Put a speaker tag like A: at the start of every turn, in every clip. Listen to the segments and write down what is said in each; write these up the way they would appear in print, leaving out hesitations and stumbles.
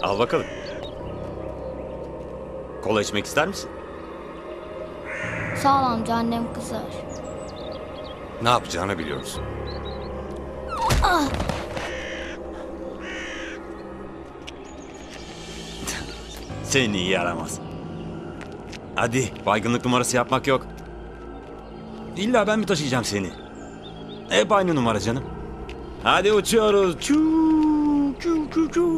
A: Al bakalım. Kola içmek ister misin?
B: Sağ ol amca, annem kızar.
A: Ne yapacağını biliyoruz. Seni iyi yaramaz. Hadi baygınlık numarası yapmak yok. İlla ben mi taşıyacağım seni? Hep aynı numara canım. Hadi uçuyoruz. Çuu, çuu, çuu, çuu.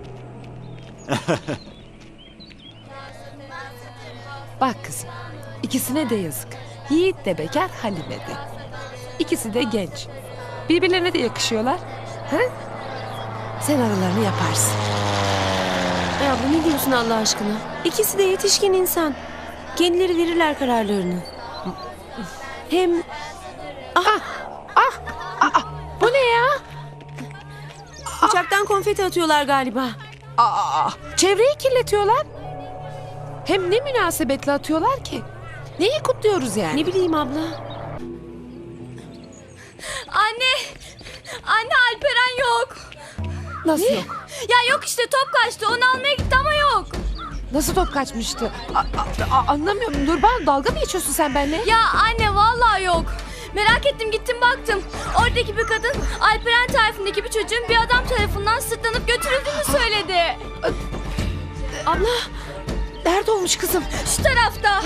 C: Bak kızım, ikisine de yazık. Yiğit de bekar, Halime de. İkisi de genç. Birbirlerine de yakışıyorlar. Ha? Sen aralarını yaparsın.
D: Ya bu ne diyorsun Allah aşkına? İkisi de yetişkin insan. Kendileri verirler kararlarını. Hem
C: Bu ne ya?
D: uçaktan konfeti atıyorlar galiba.
C: Çevreyi kirletiyorlar. Hem ne münasebetle atıyorlar ki? Neyi kutluyoruz yani?
D: Ne bileyim abla.
E: Anne! Anne Alperen yok.
C: Nasıl yok?
E: Ya yok işte top kaçtı. Onu almaya gitti ama yok.
C: Nasıl top kaçmıştı? Anlamıyorum. Nurban, dalga mı geçiyorsun sen benimle?
E: Ya anne vallahi yok. Merak ettim gittim baktım. Oradaki bir kadın Alperen tarifindeki bir çocuğun bir adam tarafından sırtlanıp götürüldüğünü söyledi.
C: Abla, nerede olmuş kızım?
E: Şu tarafta.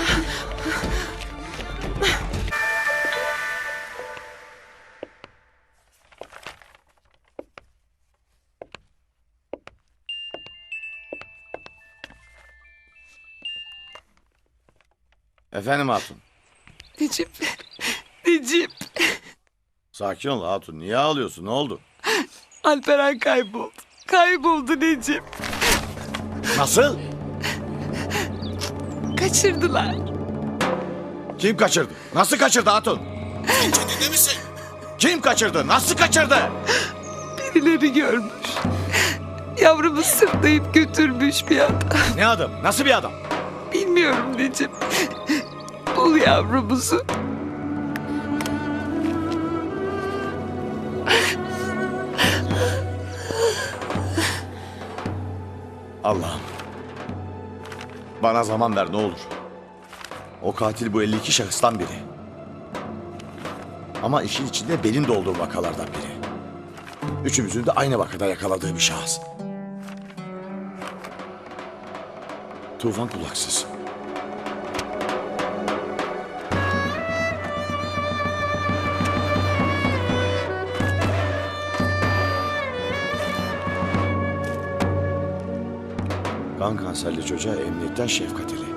F: Efendim Hatun.
C: Necip, Necip.
F: Sakin ol Hatun. Niye ağlıyorsun? Ne oldu?
C: Alperen kayboldu. Kayboldu Necip.
F: Nasıl?
C: Kaçırdılar.
F: Kim kaçırdı? Nasıl kaçırdı Hatun? Sen kendinde misin? Kim kaçırdı? Nasıl kaçırdı?
C: Birileri görmüş. Yavrumu sırtlayıp götürmüş bir adam.
F: Ne adam? Nasıl bir adam?
C: Bilmiyorum Necip. Bul yavrumuzu.
F: Allah'ım. Bana zaman ver ne olur. O katil bu 52 şahıstan biri. Ama işin içinde benim de olduğum vakalardan biri. Üçümüzün de aynı vakada yakaladığı bir şahıs. Tufan Kulaksız. Kan kanserli çocuğa emniyetten şefkat eli.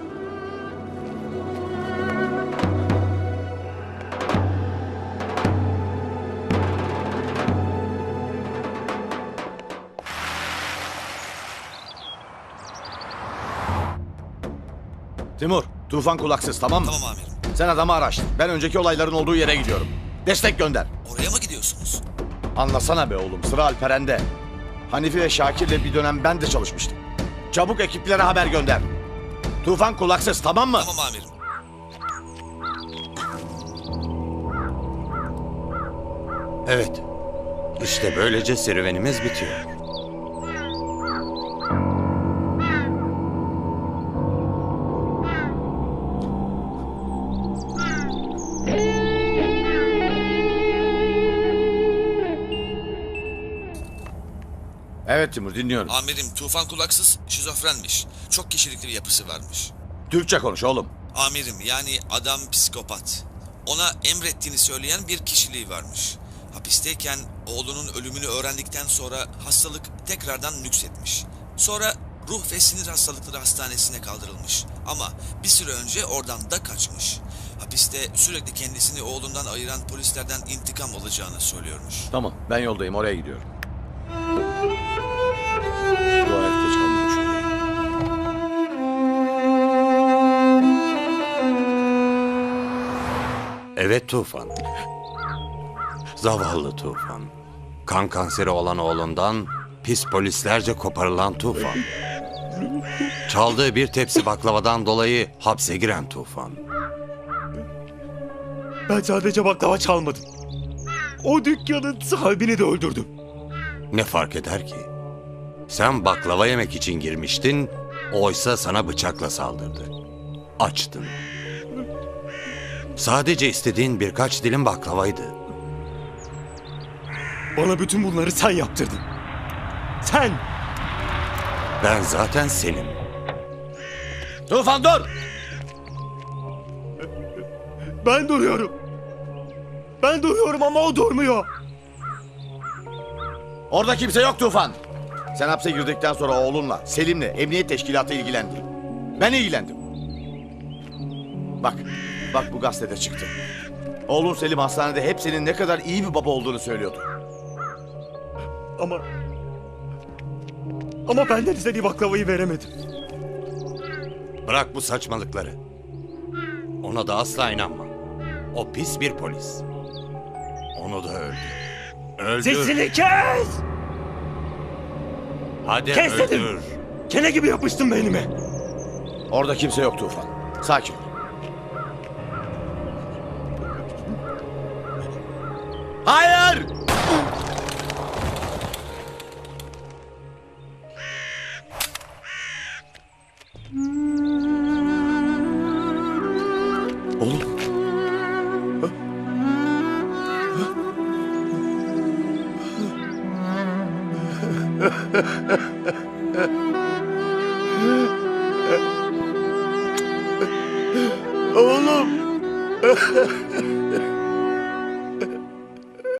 F: Timur, Tufan Kulaksız tamam mı?
G: Tamam amirim.
F: Sen adamı araştır. Ben önceki olayların olduğu yere gidiyorum. Destek gönder.
G: Oraya mı gidiyorsunuz?
F: Anlasana be oğlum, sıra Alperen'de. Hanifi ve Şakir'le bir dönem ben de çalışmıştım. Çabuk ekiplere haber gönder. Tufan Kulaksız tamam mı?
G: Tamam amirim.
A: Evet. İşte böylece serüvenimiz bitiyor.
F: Evet Timur dinliyorum.
G: Amirim Tufan Kulaksız şizofrenmiş. Çok kişilikli bir yapısı varmış.
F: Türkçe konuş oğlum.
G: Amirim yani adam psikopat. Ona emrettiğini söyleyen bir kişiliği varmış. Hapisteyken oğlunun ölümünü öğrendikten sonra hastalık tekrardan nüksetmiş. Sonra ruh ve sinir hastalıkları hastanesine kaldırılmış. Ama bir süre önce oradan da kaçmış. Hapiste sürekli kendisini oğlundan ayıran polislerden intikam alacağını söylüyormuş.
F: Tamam ben yoldayım oraya gidiyorum. Dua et geç kalmamış olayım.
A: Evet Tufan. Zavallı Tufan. Kan kanseri olan oğlundan pis polislerce koparılan Tufan. Çaldığı bir tepsi baklavadan dolayı hapse giren Tufan.
H: Ben sadece baklava çalmadım. O dükkanın sahibini de öldürdüm.
A: Ne fark eder ki?
B: Sen baklava yemek için girmiştin, oysa sana bıçakla saldırdı. Açtın. Sadece istediğin birkaç dilim baklavaydı.
H: Bana bütün bunları sen yaptırdın. Sen!
B: Ben zaten senim.
F: Tufan dur!
H: Ben duruyorum. Ben duruyorum ama o durmuyor.
F: Orada kimse yok Tufan. Sen hapse girdikten sonra oğlunla, Selim'le emniyet teşkilatı ilgilendi. Ben ilgilendim. Bak bu gazetede çıktı. Oğlun Selim hastanede hep senin ne kadar iyi bir baba olduğunu söylüyordu.
H: Ama benden istediği baklavayı veremedim.
B: Bırak bu saçmalıkları. Ona da asla inanma. O pis bir polis. Onu da öldür. Öldür.
H: Sesini kes!
B: Hadi
H: kes
B: öldür.
H: dedim. Kene gibi yapıştın beynime.
F: Orada kimse yok Tufan. Sakin ol. Hayır! Oğlum. Oğlum.